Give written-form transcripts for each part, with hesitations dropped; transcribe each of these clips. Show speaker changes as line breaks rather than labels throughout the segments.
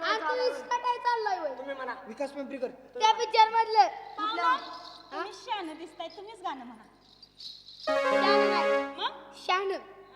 काय चाललंय होय?
तुम्ही म्हणा.
विकास पिंपरीकर.
त्या पिक्चर मधलं
तुम्ही शहाणं दिसताय, तुम्हीच गाणं म्हणा.
शहाणं नाही.
मग
शहाणं.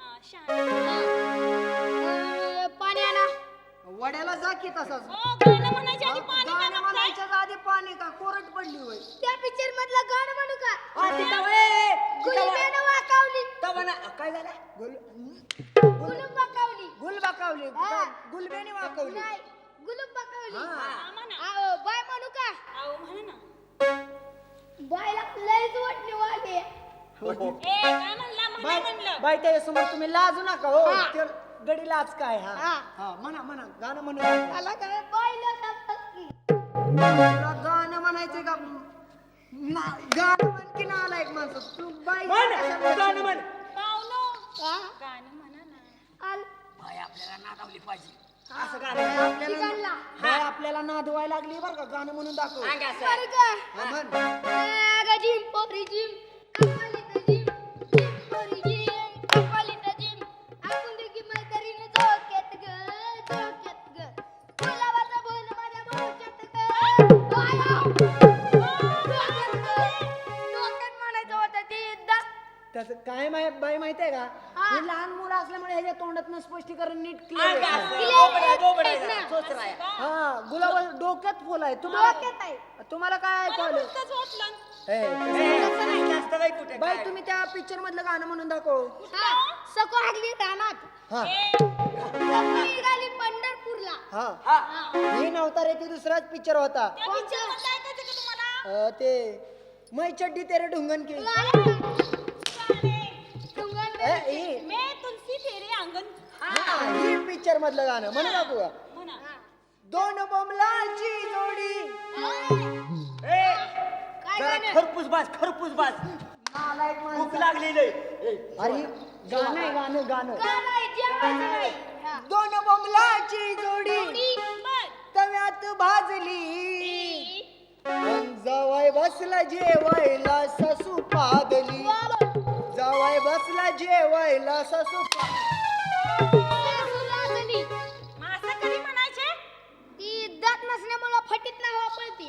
शहाणं.
पाणी आणा.
वड्याला जा की तसाच.
हो, गाणं म्हणायच्या आधी पाणी का
गाणं
मागताय?
म्हणायच्या आधी पाणी का कोरट पडली होय.
त्या पिक्चर मधलं गाणं म्हणू का?
हा, तिथं वय.
गुलबेनं वाकावली.
तिथं म्हणा. काय झालं?
गुलूब वाकावली.
गुल वाकावली.
हा.
गुलबेने वाकावली.
नाही, गुलूब वाकावली.
हा, म्हणा.
आओ, बाय म्हणू का?
अहो, म्हणा ना.
बायला लयच वाटणी वाढली.
काय म्हणला? म्हणा म्हणलं.
बाई त्याच्यासमोर तुम्ही लाजू नका हो.
हा.
ते गडी लाज काय हा
हा.
हा म्हणा म्हणा गाणं म्हणा.
आला काय बायला सांगतात की.
तुला गाणं म्हणायचंय का गाणं म्हण की नालायक माणसं तू बाई
म्हण. गाणं म्हण.
पाहुणो,
हा?
गाणं म्हणा ना.
आल.
बाई आपल्याला नादावली पाहिजे.
असं
बाय
गाणं आपल्याला
ठिकाणला.
बाई आपल्याला नादवायला लागली बरं का गाणं म्हणून दाखव.
सांग असं.
बरं का?
हा, म्हण.
अगं जिम पोरी जिम, अक्कालीत जिम, जिम पोरी जिम, अक्कालीत जिम, आपण दोघी मैत्रिणी झोक्यात ग, झोक्यात ग. गुलाबाचं बोल माझ्या मोक्यात ग. बाया. डोक्यात ग. डोक्यात म्हणायचं होतं ते एकदा.
त्याचं काय बाई माहितीये का
हा.
हे लहान मुलं असल्यामुळे ह्याच्या तोंडातनं स्पष्टीकरण नीट
सांग
क्लिअर
असं.
क्लिअर
बोबडं- बोबडं
आहे
जरा.
ना.
चोचरा आहे.
हा गुलाब डोक्यात फुल आहे
डोक्यात आहे.
तुम्हाला काय
मला
ऐकवलं
नुसतंच वाटलं.
तसं नाही, जास्त बाई कुठे
बाई
काय?
तुम्ही त्या पिक्चर मधलं गाणं म्हणून दाखव.
हा, सको हागली रानात.
हा
सको निघाली पंढरपूरला.
हा
हा.
ही नव्हता रे ती दुसराच पिक्चर होता.
त्या picture मधलं ऐकायचं का तुम्हाला?
ते मै चड्डी तेरे ढुंगन की ही
मैं तुलसी तेरे अंगण.
ही पिक्चर मधलं गाणं म्हणून दाखवू का?
म्हणा.
दोन बोमलाची जोडी
ए,
काय
जरा
गाणं?
खरपूस बाज, खरपूस बाज.
नालायक
भूक
माणसं.
लागलेली आहे.
अरे गाणं आहे गाणं गाणं
का नाही जेवायचं नाही. हा.
दोन बोमलाची जोडी
बर.
तव्यात भाजली जवाय बसला जेवायला ससू पादली जवाय बसला जेवायला ससू
सासू लागली.
मग असं कधी म्हणायचे?
ती दात नसल्यामुळं फटीत नाही वापरती.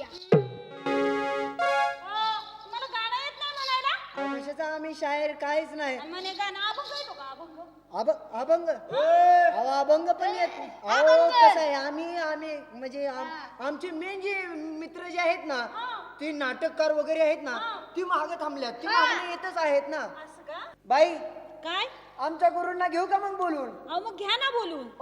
तुम्हाला गाणं येत नाही म्हणायला?
कशाचा आम्ही शायर काहीच नाही
आणि म्हणे गाणं अभंग येतो का? अभंग.
अभंग अहो अभंग पण येत अहो कसं आहे आम्ही आम्ही म्हणजे आमचे मेन जे मित्र जे आहेत ना ते नाटककार वगैरे आहेत ना ती मागे थांबल्यात ती मागणी येतच आहेत ना
असं का?
बाई
काय?
आमच्या गुरूंना घेऊ का मग बोलून
अहो, मग घ्या ना बोलून.